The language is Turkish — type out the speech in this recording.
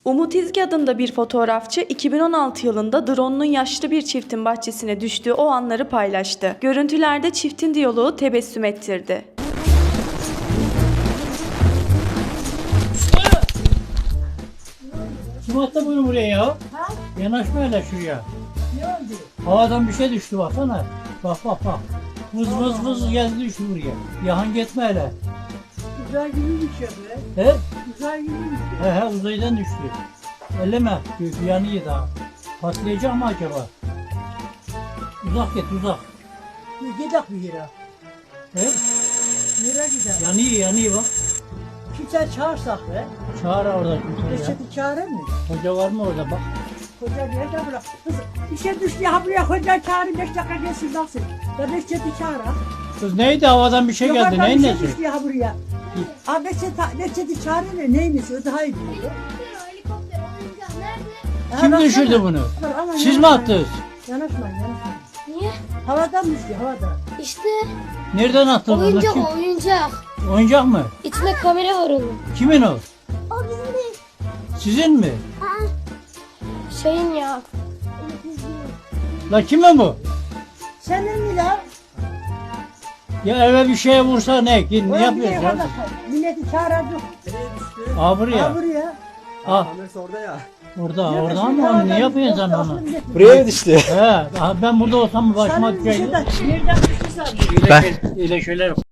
Umut İzgi adında bir fotoğrafçı 2016 yılında drone'un yaşlı bir çiftin bahçesine düştüğü o anları paylaştı. Görüntülerde çiftin diyaloğu tebessüm ettirdi. Kim attı bunu buraya ya? Ha? Yanaşma hele şuraya. Ne oldu? Havadan bir şey düştü baksana. Bak bak bak. Vız vız vız geldi düştü buraya. Yahan gitme hele. Uzay gibi bir şey be. He? Uzay gibi bir şey. He uzaydan düştü. Elleme. Yanıyor daha. Patlayacak mı acaba? Uzak git uzak. Gidelim bir yere. He? Nereye gidelim? Yanıyor bak. Kimse çağırsak be. Çağır orada kimse ya. Reçeti çağırır mı? Hoca var mı orada bak. Koca nerede bırak? Kız bir şey düştü ya buraya koca çağırın 5 dakika gelsin baksın. Ya Reçeti çağır ha. Kız neydi havadan bir şey geldi. Yukarıdan Neyin bir şey nesi? düştü ya buraya. Abi Reçeti çağırın ne neymiş o daha iyi biliyor. Helikopter, oyuncak nerede? Kim baksana. düşürdü bunu? Aman Siz mi yanaşmayın. attınız? Yanaşmayın. Niye? Havadan düştü havadan. İşte Nereden attınız onu? oyuncak Kim? o oyuncak. Oyuncak mı? İçinde kamera var onun. Kimin o? O bizim değil. Sizin mi? Şeyin ya. La kimin bu? Senin mi lan? Ya eve bir şeye vursa ne? Ne Oğlum bir de yapıyorsun yukarıda ya? milleti çağıracak. Aa buraya. Ha buraya. Ah Kamerası orada ya. orada ama onu ne yapıyorsun sen onu? Buraya mı düştü? He ben burada olsam başıma Sana bir şey düşecek. de nereden düştü sen? İyle şeyler